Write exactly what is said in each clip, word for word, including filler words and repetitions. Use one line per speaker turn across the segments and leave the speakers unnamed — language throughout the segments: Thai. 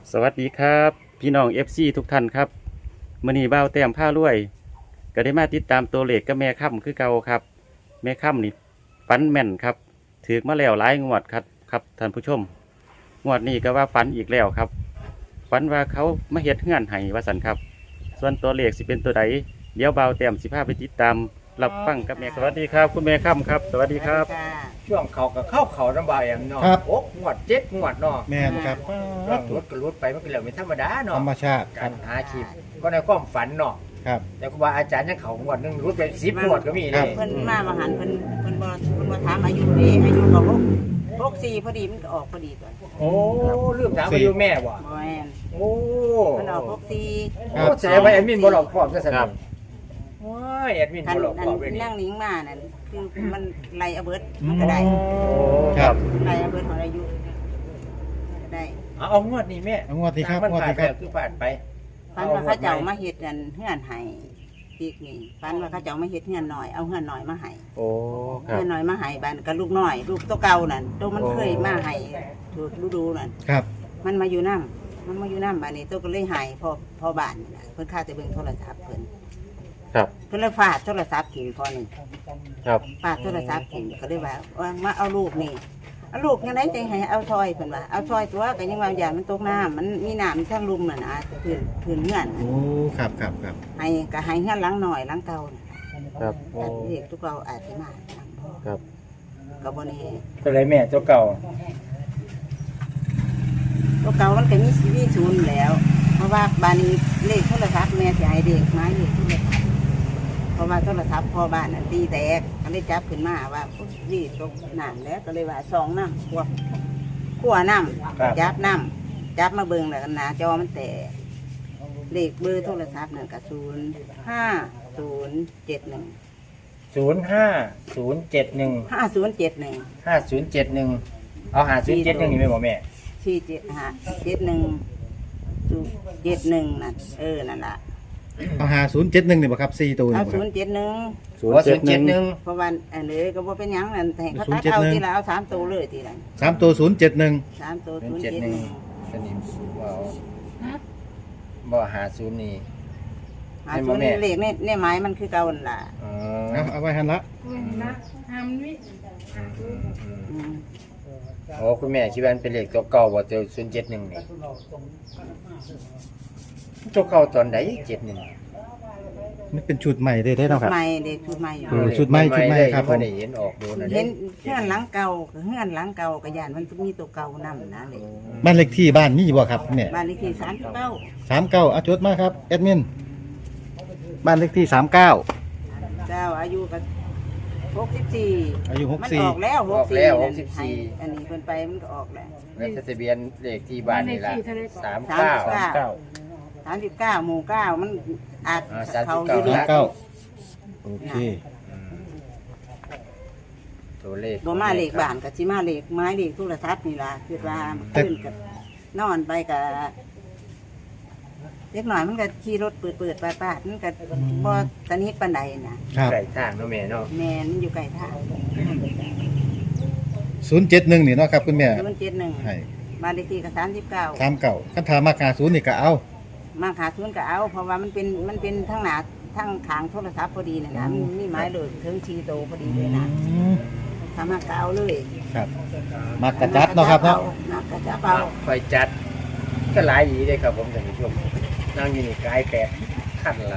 สวัสดีครับพี่น้อง เอฟ ซี ทุกท่านครับมื้อนี้บ่าวแต้มผ้ารวยก็ได้มาติดตามตัวเลขกับแม่ค่ำคือเก่าครับแม่ค่ำนี่ฝันแม่นครับถือมาแล้วหลายงวดครับครับท่านผู้ชมงวดนี้ก็ว่าฝันอีกแล้วครับฝันว่าเขามาเฮ็ดเฮือนให้ว่าสันครับส่วนตัวเลขสิเป็นตัวใดเดี๋ยวบ่าวแต้มสิพาไปติดตามรับฟังกับแม่สวัสดีครับคุณแม่ค่ำครับสวัสดีครับ
ช่วงเขากับเข้าเขาลำบากอย่างเนาะ
ครับ
โอ๊กงวดเจ็ดงวดเนาะ
แม่นครับ
รถรถก็รถไปมันก็เรื่องไม่ธรรมดา
ธ
เนาะ
รรมชาติค
กา
รับ
รหาคลิปก็ในความฝันเนาะ
ครับ
แต่ครูบาอาจารย์ยังเขางวดหนึงรถไปสิบงวดก็มี
ครั
เล
บ
ย
เพิ่นมามาหันเพิ่นเพิ่นบ่เพิ่นบ่ถามอายุเด้อายุก็หกหกสี่พอดีมันก็ออกพอดีตัว
โอ้ลืมถามอายุแม่ว่ะ
บ่แม่น
โอ้
มันออกหกสี่
โอ้แสดงว่าแอดมินบ่หลอกครอบซะซั่นนี่ว้ายแอดมิน
คัน
บ่หลอกครอบเลย
อัน
นี่
นั่งลิงมานั่นคือมันไล่เอาเบิดมันก็ได้
โอ้
ครับ
ไล่เอาเบิดของอายุก็ได้
เอาเอางวดนี้แม่
เอางวดที่ครับ
มัน
งวด
ผ่าน
ที่
ไป
ครับ
คือผ่านไป
ฝันว่าเขาเจ้ามาเฮ็ดกันเฮือนให้ปีกนี่ฝันว่าเขาเจ้ามาเฮ็ดเฮือนหน่อยเอาเฮือนหน่อยมาให้
โอ้ครั
เฮื
บ
อนหน่อยมาให้บ้านกับลูกน้อย ลูกตัวเก่านั่นตัวมันเคยมาให้ถูกฤดูนั่น
ครับ
มันมาอยู่น้ำมันมาอยู่น้ำบ้านนี้ตัวก็เลยหายพอพอบ้านนี่ล่ะเพิ่นข้าจะเบิ่งโทรศัพท์เพิ่น
ครับ
เพิ่นเลยฟาดโทรศัพท์ทิ้งพอหนึ่ง
ครับ
ฟาดโทรศัพท์ทิ้งก็เลยว่าว่ามาเอาลูกนี่เอาลูกยังไงจะให้เอาซอยเพิ่นว่าเอาซอยตัวก็ยังว่าอย่างมันตกน้ำมันมีน้ำทั้งลุมน่ะนะพื้นพื้นเงื่อน
โอ้ครับครับครับ
ให้ก็ให้เงื่อนหลังหน่อยหลังเก่าน่ะ
ครับโอ้
แต่เด็กทุกเราอาจจะมาหลังพ่อ
ครับ
ก็บ่แน่
ตัวไรแม่ตัวเก่า
ตัวเก่ามันก็มีชีวิตศูนย์แล้ว เพราะว่าบ้านนี้เลขโทรศัพท์แม่สิให้เด็กไม้เลขโทรศัพท์เพราะว่าโทรศัพท์พ่อบ้านน่ะตีแตกก็เลยจับขึ้นมาว่าอุ๊ยนี่ตกน้ำแล้วก็เลยว่าสองน้ำขวบขัวน้ำจับน้ำจับมาเบิ่งแล้วกันนะจอมันแตกเลขเบอร์โทรศัพท์นั่นก็ศูนย์ห้าศูนย์เจ็ดหนึ่ง
ศูนย์ห้าศูนย์เจ็ดหนึ่ง
ห้าศูนย์เจ็ดหนึ่ง
ห้าศูนย์เจ็ดหนึ่งเอาหาศูนย์เจ็ดหนึ่งนี่ไหมบอกแม่
สี่เจ็ดห้าเจ็ดหนึ่งศูนย์เจ็ดหนึ่งนั่นเออนั่นล่ะ
เอาหาศูนย์เจ็ดหนึ่งนี่บ่ครับสี่ตัวนี่
เอา
บ่ค
ศู
รับ
นย์เจ็ดหนึ่ง
ศูน
ว่า
ย์
ศู
เจ็ด
นย์
ห
เจ็
นึ่
ด
ง
หนึ่ง
เพราะว่าอันนี้ก็บ่เป็นหยังนั่นแต่เขาตัด
ศูนย์เจ็ด
เอา
หนึ่ง
ทีละเอาสามตัวเลยทีละ
สามตัวศูนย์เจ็ดหนึ่ง
สามตัว
ศู
ศู
น
น
ย์
ย์
เจ็ด
เจ็ด
ห
ห
นึ่ง
นึ่ง
สนิมว้าวบ่หาศูนย์นี่
หาศูนย์เลขเนี่ยเนี่ยไม้มันคือเก่าหั่นล่ะ
อ๋อ
เอาเอาไว้หันละ
อืม
โอ้คุณแม่คิดว่ามันเป็นเลขตัวเก่าว่าตัวศูนย์เจ็ดหนึ่งนี่ตัวเก่าตอนไหนเจ็ดหนึ่ง
มันเป็นชุดใหม่ได้ได้เนาะครับ
ใหม่เด็กชุดใหม่อยู่
เออชุดใหม่ชุดใหม่ครับผม
ไม่ได้เห็นออกดูนะ
เห็นเฮือนหลังเก่ากับเฮือนหลังเก่ากับยานมันมีตัวเก่านํนะเลย
บ้านเลขที่บ้านนี่บ่ครับเนี่ย
บ้านเลขที่สามเก้า
สามเก้าเอาจดมาครับแอดมินบ้านเลขที่สามเก้า
เจ้าอายุก็หกสิบสี่
อายุหก
มัน
สี่
ออกแล้ว
ออกแล้วหกสิบ
ให้
สี่
อันนี้เพิ่นไปมันก็ออกแล้ว
แล้วทะเบียนเลขที่บ้านนี่ละสาม
สาม
เก้า
สิบเก้าสามสิบเก้าหมู่เก้ามันอาจ
อ่า
เขา
สามสิบ
อยู่
เก้า
ดี
สามเก้าโอเค
ตัวเลข
บ่มาเลขบ้านกับสิมาเลขไม้เลขโทรศัพท์นี่ล่ะคือว่าขึ้นกับนอนไปกับเล็กหน่อยมันก็ขี่รถเปิดเปิดปาดปาดมันก็บ่สนิทปานใดนะครับ
ไก่ทางเนาะแม่เนาะ
แม่นมันอยู่ไกลทาง
ศูนย์เจ็ดหนึ่งนี่เนาะครับคุณแม่
ศูนย์เจ็ดหนึ่ง
ให้
บ้านเลขที่ก็สามสิบเก้า
สามเก้าคันถามมาหาศูนย์นี่ก็เอา
มาขาทุนก็เอา เพราะว่ามันเป็นมันเป็นทั้งหนาทั้งขางโทรศัพท์พอดีน่ะนะมันมีไม้เลยถึงชีโตพอดีเลยนะ
อืม
ทำมาก็เอาเลย
ครับมักกระจัดเนาะครับเนาะ
มากระจับเอา
คอยจัดก็หลายอีเลยครับผมท่านผู้ชมนั่งอยู่นี่กายแปดขั้นละ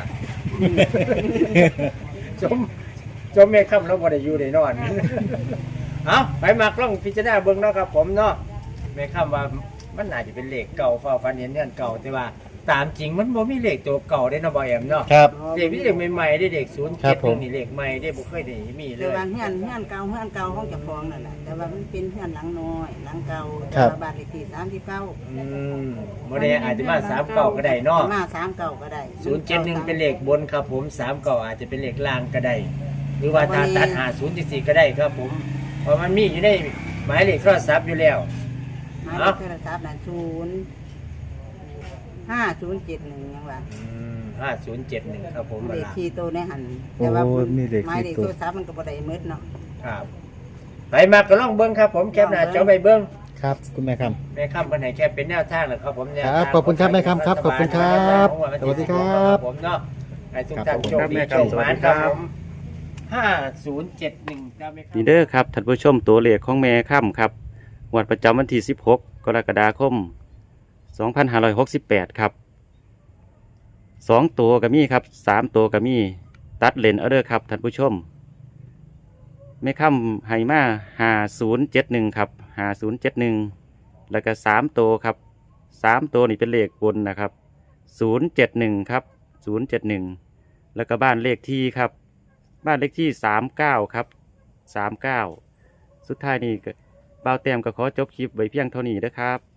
จมจมแม่ค่ำแล้วบ่ได้อยู่ได้นอน เอาไปมากล้องพิจารณาเบิ่งเนาะครับผมเนาะแม่ค่ำว่ามันน่าจะเป็นเลขเก่าฟ้าฟันเห็นเงื่อนเก่าแต่ว่า ตามจริงมันบ่มีเลขตัวเก่าได้เนาะบ่แอมเนาะ
ครับ
เลขนี้เลขใหม่ๆได้เลขศูนย์
ครั
เจ็
บ
ด
ผม
นี่เลขใหม่ได้บ่เคยได้มีเล
แต่
ย
ว่าเฮือนเฮือนเก่าเฮือนเก่าห้องจะฟองนั่นแหละแต่ว่ามันเป็นเฮือนหลังน้อยหลังเก่าแต่ว่าบ้านเลขที่สามสิบเก้า
อืมบ่ได้อาจจะมาสามเก้าก็ได้เนาะ
มาสามเก่าก็ได้
ศูนย์เจ็ดหนึ่งเป็นเลขบนครับผมสามเก้าอาจจะเป็นเลขล่างก็ได้ หรือว่าถ้าตัดหาศูนย์สี่ก็ได้ครับผมเพราะมันมีอยู่ในหมายเลขโทรศัพท์อยู่แล้ว
หมายเลขโทรศัพท์นั่นศูนย์ห้าศูนย์เจ็ดหนึ่งยังว่า
ห้าศูนย์เจ็ดหนึ่งครับผม
เล
เว
ข
ลา
ที่โตในหันแต่ว่า
โอ้มีเลข
หมายเล
ที่
ข
โต
โทรศัพท์มันก็บ่ได้มืดเนาะ
ครับ ไปมาก็ลองเบิ้งครับผมแคปหน้าจอไปเบิ้ง
คครับ คุณแม่ครับ
แม่ค่ำวันไหนแค่เป็นแนวทางเหรอครับผมแนว
ค
ทาง
รับขอบคุณครับแม่ค่ำครับขอบคุณครับสวัสดีครับ
ผมเนาะให้ทุกท่าน
ครับ
โชคดี
ครับ
โชคหมานครับผมห้าศูนย์เจ็ดหนึ่งครับแม่ค่ำ
นี่เด้อครับท่านผู้ชมตัวเลขของแม่ค่ำครับงวดประจำวันที่สิบหกกรกฎาคมสองพันห้าร้อยหกสิบแปดครับสองตัวก็มีครับสามตัวก็มีตัดเลนเอาเด้อครับท่านผู้ชมแม่ค่ำไฮมาห้าศูนย์เจ็ดหนึ่งครับห้าศูนย์เจ็ดหนึ่งแล้วก็สามตัวครับสามตัวนี่เป็นเลขบนนะครับศูนย์เจ็ดหนึ่งครับศูนย์เจ็ดหนึ่งแล้วก็บ้านเลขที่ครับบ้านเลขที่สามเก้าครับสามเก้าสุดท้ายนี่ก็บ่าวแต้มก็ขอจบคลิปไว้เพียงเท่านี้นะครับ